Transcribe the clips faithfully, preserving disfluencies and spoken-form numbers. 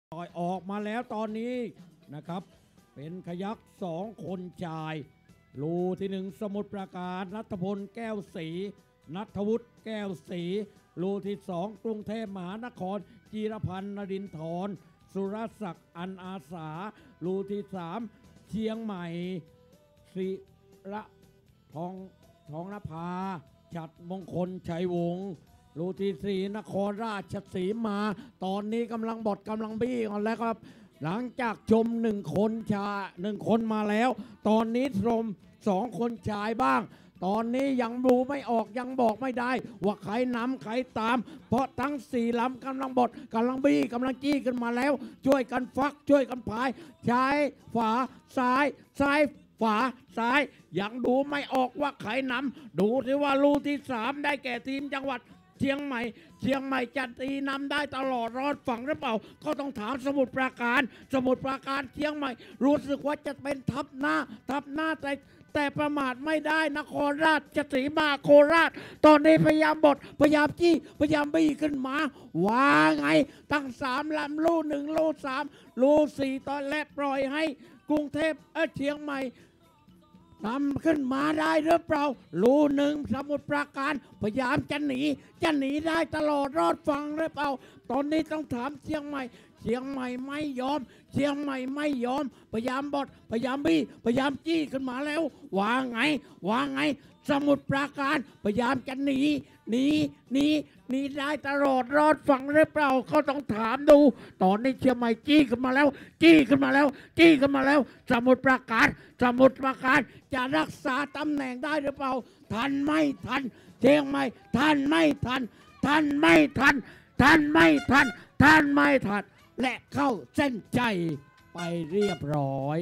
ปล่อยออกมาแล้วตอนนี้นะครับเป็นขยักสองคนชายรูที่หนึ่งสมุทรปราการณัฐพลแก้วศรีณัฐวุฒิแก้วศรีรูที่สองกรุงเทพมหานครจีรพันธ์นรินทร์สุรศักดิ์อันอาสารูที่สามเชียงใหม่ศิระทองทองนภาฉัตรมงคลชัยวงศ์รูที่สี่นครราชสีมาตอนนี้กำลังบดกำลังบี้กันแล้วครับหลังจากชมหนึ่งคนชายหนึ่งคนมาแล้วตอนนี้ชมสองคนชายบ้างตอนนี้ยังดูไม่ออกยังบอกไม่ได้ว่าใครนำใครตามเพราะทั้งสี่ลำกำลังบดกำลังบี้กำลังจี้ขึ้นมาแล้วช่วยกันฟักช่วยกันพายชายฝาซ้ายซ้ายฝาซ้ายยังดูไม่ออกว่าใครนำดูสิว่าลูที่สามได้แก่ทีมจังหวัดเชียงใหม่เชียงใหม่จะตีนำได้ตลอดรอดฝั่งหรือเปล่าก็ต้องถามสมุทรปราการสมุทรปราการเชียงใหม่รู้สึกว่าจะเป็นทับหน้าทับหน้าแต่แต่ประมาทไม่ได้นครราชสีมาโคราชตอนนี้พยายามบดพยายามจี้พยายามบี้ขึ้นมาว่าไงตั้งสามลำลูหนึ่งลูสามลูสี่ตอนแรกปล่อยให้กรุงเทพเออเชียงใหม่นำขึ้นมาได้หรือเปล่ารูหนึ่งสมุทรปราการพยายามจะหนีจะหนีได้ตลอดรอดฟังหรือเปล่าตอนนี้ต้องถามเชียงใหม่เชียงใหม่ไม่ยอมเชียงใหม่ไม่ยอมพยายามบดพยายามบี้พยายามจี้ขึ้นมาแล้วว่าไงว่าไงสมุทรปราการพยายามจะหนีหนีหนีหนีได้ตลอดรอดฟังหรือเปล่าก็ต้องถามดูตอนนี้เชียงใหม่จี้ขึ้นมาแล้วจี้ขึ้นมาแล้วจี้ขึ้นมาแล้วสมุทรปราการสมุทรปราการจะรักษาตำแหน่งได้หรือเปล่าทันไม่ทันเชียงใหม่ทันไม่ทันทันไม่ทันทันไม่ทันทันไม่ทันและเข้าเส้นใจไปเรียบร้อย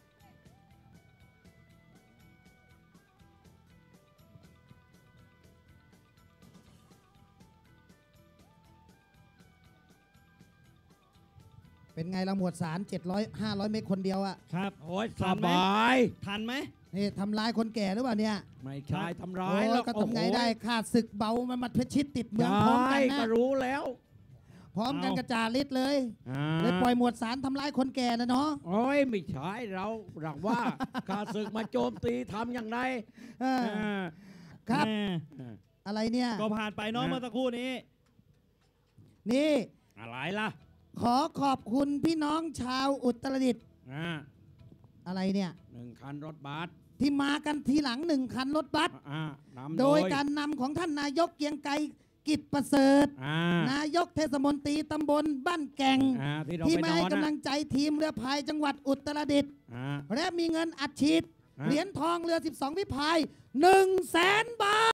เป็นไงเราหมวดสารเจ็ดร้อย ห้าร้อยเมตรคนเดียวอะครับโอ้ยสบายทันไหมนี่ทำลายคนแก่หรือเปล่าเนี่ยไม่ใช่ทำร้าโอ้ยยแล้วก็ทำไงได้ขาดศึกเบามันมัดเพชรชิดติดเมืองพร้อมกันนะก็รู้แล้วพร้อมกันกระจาฤทธิ์เลยอ่าเลยปล่อยหมวดสารทำลายคนแก่นะเนาะโอ้ยไม่ใช่เราหลักว่าข้าศึกมาโจมตีทำอย่างไรเออครับแม่อะไรเนี่ยก็ผ่านไปเน้องเมื่อสักครู่นี้นี่อะไรล่ะขอขอบคุณพี่น้องชาวอุตรดิตถ์อ่าอะไรเนี่ยหนึ่งคันรถบัสที่มากันทีหลังหนึ่งคันรถบัสอ่านำโดยการนำของท่านนายกเกียงไกรกิจประเสริฐอ่านายกเทศมนตรีตำบลบ้านแก่งอ่าที่เราที่ไปมานอให้นกำลันะงใจทีมเรือพายจังหวัดอุตรดิตถ์อ่าและมีเงินอัดฉีดอ่าเหรียญทองเรือสิบสองพิพายหนึ่งแสนบาท